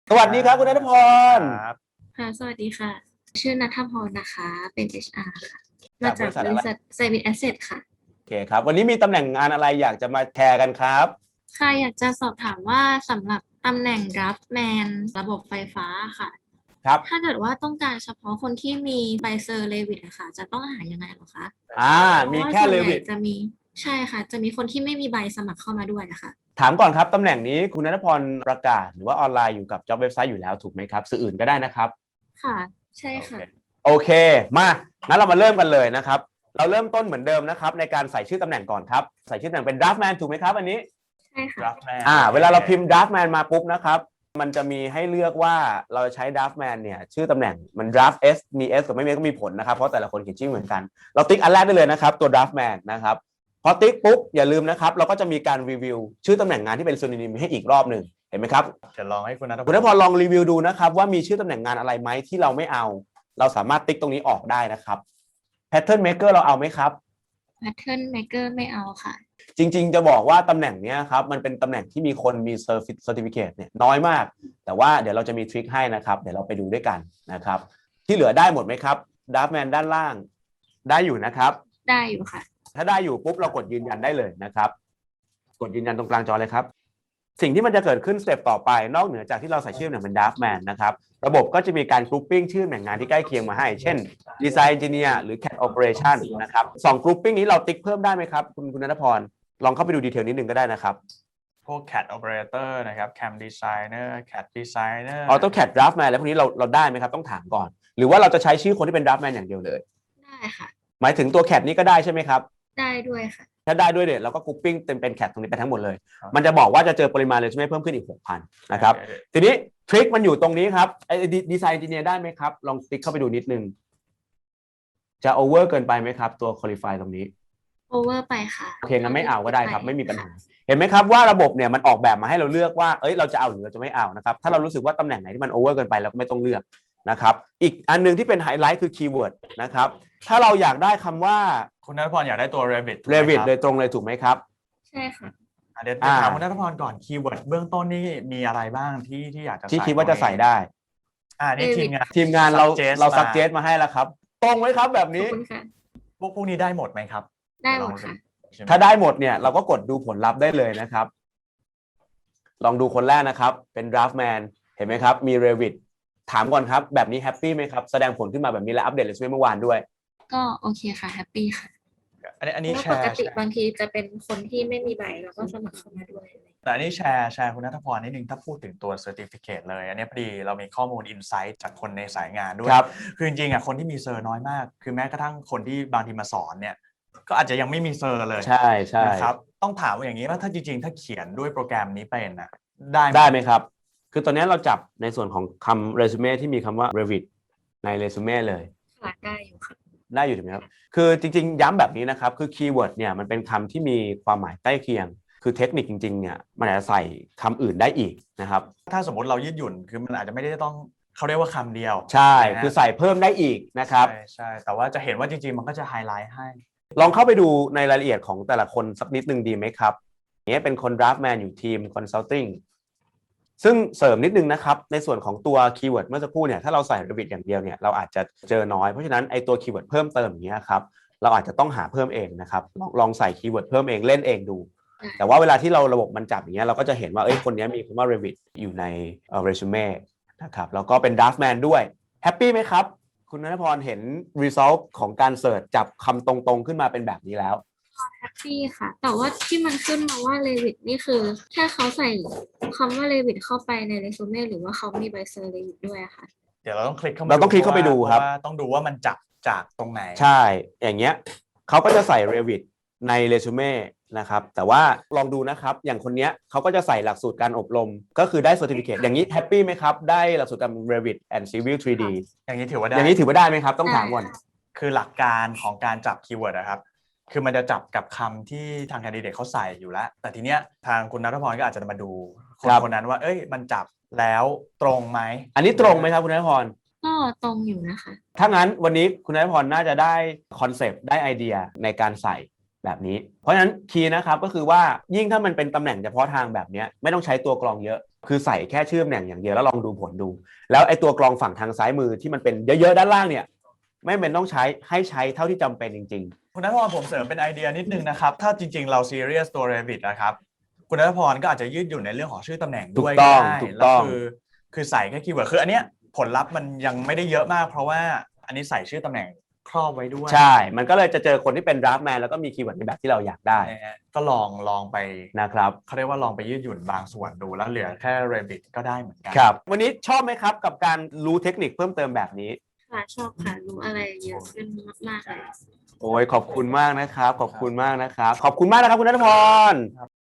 สวัสดีครับคุณณัฐพรครับค่ะสวัสดีค่ะ ชื่อณัฐพรนะคะ เป็น HR ค่ะ มาจากบจากริษัทอะไรบริษัทไซบินแอสเซทค่ะโอเคครับวันนี้มีตำแหน่งงานอะไรอยากจะมาแชร์กันครับค่ะ อยากจะสอบถามว่าสำหรับตำแหน่ง Draftman ระบบไฟฟ้าค่ะครับถ้าเกิดว่าต้องการเฉพาะคนที่มีใบเซอร์เลวิตอะค่ะ จะต้องหายังไงเหรอคะอ่าเพราะมีแค่ว่าส่วนใหญ่เลวิตจะมี ใช่ค่ะ จะมีคนที่ไม่มีใบสมัครเข้ามาด้วยนะคะถามก่อนครับตำแหน่งนี้คุณณัฐพรประกาศหรือว่าออนไลน์อยู่กับจ็อบเว็บไซต์อยู่แล้วถูกไหมครับสื่ออื่นก็ได้นะครับค่ะ ใช่โอเคค่ะโอเคมางั้นเรามาเริ่มกันเลยนะครับเราเริ่มต้นเหมือนเดิมนะครับในการใส่ชื่อตำแหน่งก่อนครับใส่ชื่อตำแหน่งเป็น draftman ถูกไหมครับอันนี้ใช่ค่ะ Draftman เวลาเราพิมพ์ draftman มาปุ๊บนะครับมันจะมีให้เลือกว่าเราใช้ draftman เนี่ยชื่อตำแหน่งมัน draft s มี s กับไม่มีก็มีผลนะครับเพราะแต่ละคนเขียนชื่อเหมือนกันเราติ๊กอันแรกได้เลยนะครับตัว draftman นะครับพอติ๊กปุ๊บอย่าลืมนะครับเราก็จะมีการรีวิวชื่อตำแหน่งงานที่เป็นโซนิมให้อีกรอบหนึ่งเห็นไหมครับเดี๋ยวลองให้คุณณัฐพคุณนพรลองรีวิวดูนะครับว่ามีชื่อตำแหน่งงานอะไรไหมที่เราไม่เอาเราสามารถติ๊กตรงนี้ออกได้นะครับ Pattern Maker เราเอาไหมครับ Pattern Maker ไม่เอาค่ะจริงๆจะบอกว่าตำแหน่งนี้ครับมันเป็นตำแหน่งที่มีคนมี Certificate เนี่ยน้อยมากแต่ว่าเดี๋ยวเราจะมีทริคให้นะครับเดี๋ยวเราไปดูด้วยกันนะครับที่เหลือได้หมดไหมครับ Draftman ด้านล่างได้อยู่นะครับได้อยู่ค่ะถ้าได้อยู่ปุ๊บเรากดยืนยันได้เลยนะครับกดยืนยันตรงกลางจอเลยครับสิ่งที่มันจะเกิดขึ้นสเต็ปต่อไปนอกเหนือจากที่เราใส่ชื่อเป็น Draftman นะครับระบบก็จะมีการกรุ๊ปปิ้งชื่อตำแหน่งงานที่ใกล้เคียงมาให้เช่น Design Engineer หรือ CAD Operation นะครับ2กรุ๊ปปิ้งนี้เราติ๊กเพิ่มได้ไหมครับคุณณัฐพรลองเข้าไปดูดีเทลนิดนึงก็ได้นะครับพวก CAD Operator นะครับ CAM Designer CAD Designer AutoCAD Draftman แล้วพวกนี้เราได้ไหมครับต้องถามก่อนหรือว่าเราจะใช้ชื่อคนที่เป็น Draftman อย่างเดียวเลยได้ค่ะหมายถึงตัว CAD นี้ก็ได้ใช่ไหมครับได้ด้วยค่ะถ้าได้ด้วยเนี่ยเราก็กรุ๊ปปิ้งเป็น CAD ตรงนี้ไปทั้งหมดเลยมันจะบอกว่าจะเจอปริมาณเลยใช่ไหมเพิ่มขึ้นอีก 6,000 นะครับทีนี้ทริคมันอยู่ตรงนี้ครับไอ้ดีไซน์ Engineer ได้ไหมครับลองติ๊กเข้าไปดูนิดนึงจะโอเวอร์เกินไปไหมครับตัว Qualify ตรงนี้ over ไปค่ะโอเคงั้นไม่เอาก็ได้ครับไม่มีปัญหาเห็นไหมครับว่าระบบเนี่ยมันออกแบบมาให้เราเลือกว่าเราจะเอาหรือเราจะไม่เอานะครับถ้าเรารู้สึกว่าตำแหน่งไหนที่มันโอเวอร์เกินไปเราก็ไม่ต้องเลือกนะครับอีกอันนึงที่เป็นไฮไลท์คือคีย์เวิร์ดนะครับถ้าเราอยากได้คำว่าคุณณัฐพรอยากได้ตัว Revit ถูกไหม Revit ครับโดยตรงเลยถูกไหมครับใช่ค่ะเดี๋ยวถามคุณณัฐพรก่อนคีย์เวิร์ดเบื้องต้นนี่มีอะไรบ้างที่อยากจะที่ใส่คิดว่าจะใส่ได้นี่ Revit ทีมงานเรา suggest suggest มาให้แล้วครับตรงไหมครับแบบขอบนี้คุณค่ะพวกนี้ได้หมดไหมครับได้หมดค่ะถ้าได้หมดเนี่ยเราก็กดดูผลลัพธ์ได้เลยนะครับลองดูคนแรกนะครับเป็น Draftman เห็นไหมครับมี Revit ถามก่อนครับแบบนี้แฮปปี้ไหมครับแสดงผลขึ้นมาแบบนี้และอัปเดตเรซูเม่เมื่อวานด้วยก็โอเคค่ะแฮปปี้ค่ะอันเพนี้แชราะว่าปกร์ติบางทีจะเป็นคนที่ไม่มีใบแล้วก็สมัครเข้ามาด้วยแต่อันนี้แชร์คุณณัฐพรนิดนึงถ้าพูดถึงตัว Certificate เลยอันนี้พอดีเรามีข้อมูล Insight จากคนในสายงานด้วยคือจริงๆคนที่มีเซอร์น้อยมากคือแม้กระทั่งคนที่บางทีมาสอนเนี่ยก็อาจจะยังไม่มีเซอร์เลยใช่นะครับต้องถามว่าอย่างนี้ว่าถ้าจริงๆถ้าเขียนด้วยโปรแกรมนี้เป็นนะได้ไหมครับคือตอนนี้เราจับในส่วนของคำเรซูเม่ที่มีคำว่า Revit ในเรซูเม่เลยค่ะได้อยู่ค่ะได้อยู่ถูกไหมครับคือจริงๆย้ำแบบนี้นะครับคือคีย์เวิร์ดเนี่ยมันเป็นคำที่มีความหมายใกล้เคียงคือเทคนิคจริงๆเนี่ยมันอาจจะใส่คำอื่นได้อีกนะครับถ้าสมมติเรายืดหยุ่นคือมันอาจจะไม่ได้ต้องเขาเรียกว่าคำเดียวใช่คือใส่เพิ่มได้อีกนะครับใช่แต่ว่าจะเห็นว่าจริงๆมันก็จะไฮไลท์ให้ลองเข้าไปดูในรายละเอียดของแต่ละคนสักนิดนึงดีไหมครับนี้เป็นคน Draftman อยู่ทีม Consulting ซึ่งเสริมนิดนึงนะครับในส่วนของตัวคีย์เวิร์ดเมื่อสักครู่เนี่ยถ้าเราใส่ Revit อย่างเดียวเนี่ยเราอาจจะเจอน้อยเพราะฉะนั้นไอตัวคีย์เวิร์ดเพิ่มเติมอย่างเงี้ยครับเราอาจจะต้องหาเพิ่มเองนะครับลองใส่คีย์เวิร์ดเพิ่มเองเล่นเองดูแต่ว่าเวลาที่เราระบบมันจับอย่างเงี้ยเราก็จะเห็นว่าคนนี้มีคำว่า Revit อยู่ในresume นะครับแล้วก็เป็น Draftman ด้วยแฮปปี้ไหมครับคุณณัฐพรเห็น result ของการเสิร์ชจับคำตรงๆขึ้นมาเป็นแบบนี้แล้วแฮปปี้ค่ะแต่ว่าที่มันขึ้นมาว่าเลวิตนี่คือแค่เขาใส่คำว่าเลวิตเข้าไปในเรซูเม่หรือว่าเขามีใบเซอร์เลวิตด้วยค่ะเดี๋ยวเราต้องคลิกเข้าไปดูครับต้องดูว่ามันจับจากตรงไหนใช่อย่างเงี้ยเขาก็จะใส่ Revit ในเรซูเม่นะครับแต่ว่าลองดูนะครับอย่างคนเนี้ยเขาก็จะใส่หลักสูตรการอบรมก็คือได้ Certificate อย่างนี้แฮปปี้ไหมครับได้หลักสูตรการ Revit and Civil 3D อย่างนี้ถือว่าได้ไหมครับต้องถามก่อนคือหลักการของการจับคีย์เวิร์ดนะครับคือมันจะจับกับคำที่ทางแคนดิเดตเขาใส่อยู่แล้วแต่ทีเนี้ยทางคุณณัฐพรก็อาจจะมาดูคนนั้นว่ามันจับแล้วตรงไหมอันนี้ตรงไหมครับคุณณัฐพรก็ตรงอยู่นะคะถ้างั้นวันนี้คุณณัฐพรน่าจะได้คอนเซปต์ได้ไอเดียในการใส่แบบนี้เพราะฉะนั้นคีย์นะครับก็คือว่ายิ่งถ้ามันเป็นตำแหน่งเฉพาะทางแบบนี้ไม่ต้องใช้ตัวกรองเยอะคือใส่แค่ชื่อตำแหน่งอย่างเดียวแล้วลองดูผลดู แล้วไอ้ตัวกรองฝั่งทางซ้ายมือที่มันเป็นเยอะๆด้านล่างเนี่ยไม่เป็นต้องใช้ให้ใช้เท่าที่จำเป็นจริงคุณนัทพรผมเสริมเป็นไอเดียนิดนึงนะครับถ้าจริงๆเราซีเรียสตัว Revit นะครับคุณนัทพรก็อาจจะยืดหยุ่นในเรื่องของชื่อตำแหน่งด้วยก็ได้ถูกแล้ต้วองคือใส่แค่คีย์เวิร์ดคืออันเนี้ยผลลัพธ์มันยังไม่ได้เยอะมาก เพราะว่าอันนี้ใส่ชื่อตำแหน่งครอบไว้ด้วยใช่ มันก็เลยจะเจอคนที่เป็นดราฟต์แมนแล้วก็มีคีย์เวิร์ดในแบบที่เราอยากได้นะฮะก็ลองไปนะครับเขาเรียกว่าลองไปยืดหยุ่นบางส่วนดูแล้วเหลือแค่ Revit ก็ได้เหมือนกันครับ วันนี้ชอบไหมครับกับการรู้เทคนิคเพิ่มเติมแบบนี้ค่ะชอบค่ะรู้อะไรเยอะขึ้นมากๆเลยโอ้ยขอบคุณมากนะครับ ขอบคุณมากนะครับ ขอบคุณมากนะครับคุณณัฐพร